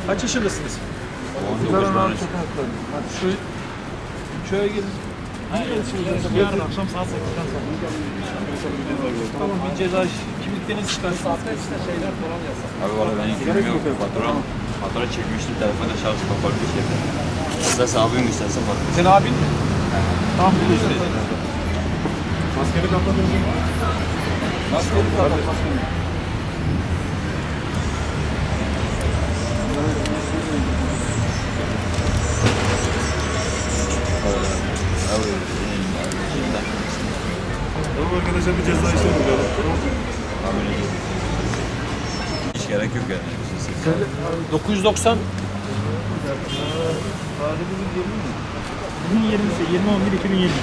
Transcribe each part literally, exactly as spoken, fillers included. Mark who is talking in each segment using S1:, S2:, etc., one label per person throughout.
S1: Kaç yaşındasınız?
S2: on dokuz tane.
S1: Hadi şu köye gelin. Yarın akşam saat sekizden sonra. Tamam, bir ceza kimliklerinizi çıkarsın. Saatte işte şeyler falan yazsın.
S2: Abi valla ben bilmiyorum. Fatura, fatura çekmiştim. Telefonda şarj kapalı bir şeydi. İsterse abim isterse fatura.
S1: Senin abin mi? Tamam, biliyorsun. Maskeni kapatın. Maskeni kapat. Maskeni.
S3: Tamam arkadaşlar, bir ceza işlemi böyle.
S2: Hiç gerek yok yani.
S1: dokuz yüz doksan.
S4: Bugün yirmisi, yirmi on bir iki bin yirmi.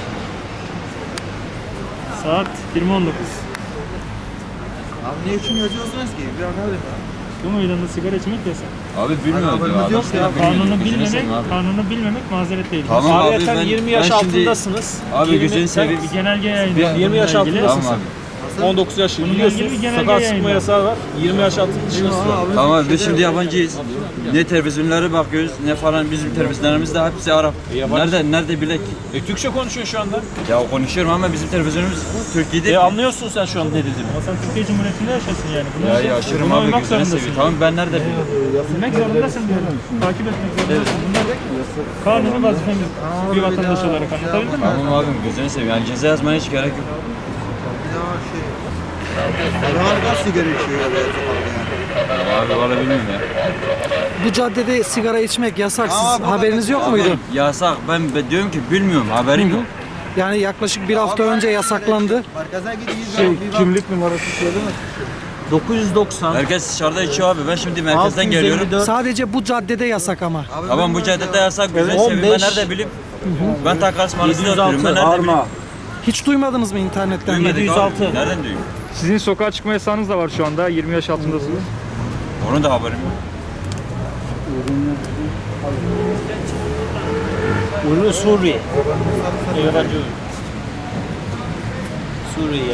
S4: Saat yirmi on dokuz.
S5: Abi ne için yazıyorsunuz ki? Bir anladım.
S4: Bu meydanda sigara içmek yasak.
S2: Abi bilmiyorum.
S5: haberimiz yok ya.
S4: Kanunu bilmemek, kanunu bilmemek mazeret değil.
S2: Tamam abi,
S1: Ayrıca
S2: ben-
S1: yirmi yaş
S2: ben şimdi-
S1: altındasınız.
S2: Abi
S1: yirmi
S2: gözünü seveyim.
S4: Bir genelge yayınlandı.
S1: yirmi yaş
S4: bununla ilgili.
S1: altındasın
S2: Tamam
S1: sen.
S2: abi.
S1: on dokuz yaş
S4: Bununla
S1: biliyorsunuz.
S4: ilgili bir genelge
S1: Sokağa çıkma
S4: yayınlandı.
S1: yasağı var. yirmi yaş altı dışındasın.
S2: Tamam abi, biz şimdi yabancıyız. Ne televizyonlara bakıyoruz ne falan, bizim televizyonlarımız da hepsi Arap.
S1: yabancı.
S2: Nerede nerede bilek?
S1: E, Türkçe konuşuyor şu anda.
S2: Ya konuşuyorum ama bizim televizyonumuz Türkiye'de.
S1: E, anlıyorsun sen şu an ne dediğimi.
S4: Ama sen Türkiye Cumhuriyeti'nde yaşasın yani. Bunu,
S2: Ya yaşıyorum
S4: bunu
S2: abi,
S4: uymak
S2: gözünü
S4: zorundasın.
S2: seveyim. Tamam, ben nerede bileyim?
S4: Bilmek zorundasın diyorum. Takip etmek zorundasın. Bunlar kanuni vazifemiz bir vatandaş olarak, anlatabildim mi?
S2: Tamam abim, gözünü seveyim. Yani ceza yazmaya hiç gerek yok.
S5: Bir daha şey. Aralarında sigara içiyor ya böyle sokakta yani.
S2: Abi valla bilmiyorum ya.
S6: Bu caddede sigara içmek yasak. Siz
S5: Aa, bu
S6: haberiniz yok
S2: Abi,
S6: muydu?
S2: yasak. Ben, ben diyorum ki bilmiyorum, haberim yok.
S6: Yani yaklaşık bir hafta önce yasaklandı.
S5: Merkeze gidiyoruz.
S3: Şey,
S5: bir bak.
S3: kimlik numarası söyleme.
S1: dokuz yüz doksan.
S2: Herkes dışarıda içiyor abi. Ben şimdi merkezden geliyorum.
S6: Sadece bu caddede yasak ama.
S5: Abi
S2: Tamam, bu caddede yasak. Gözünü seveyim. Ben nerede bileyim? Ben Takas Mahallesi'nde oturuyorum. Ben nerede bileyim?
S6: Hiç duymadınız mı internetten?
S2: Duymadık
S1: yedi yüz altı.
S2: abi. Nereden duyayım?
S4: Sizin sokağa çıkma yasağınız da var şu anda. yirmi yaş altındasınız.
S2: Onun da haberim yok.
S1: Ürün Suriye. Yabancı ürün. Suriye.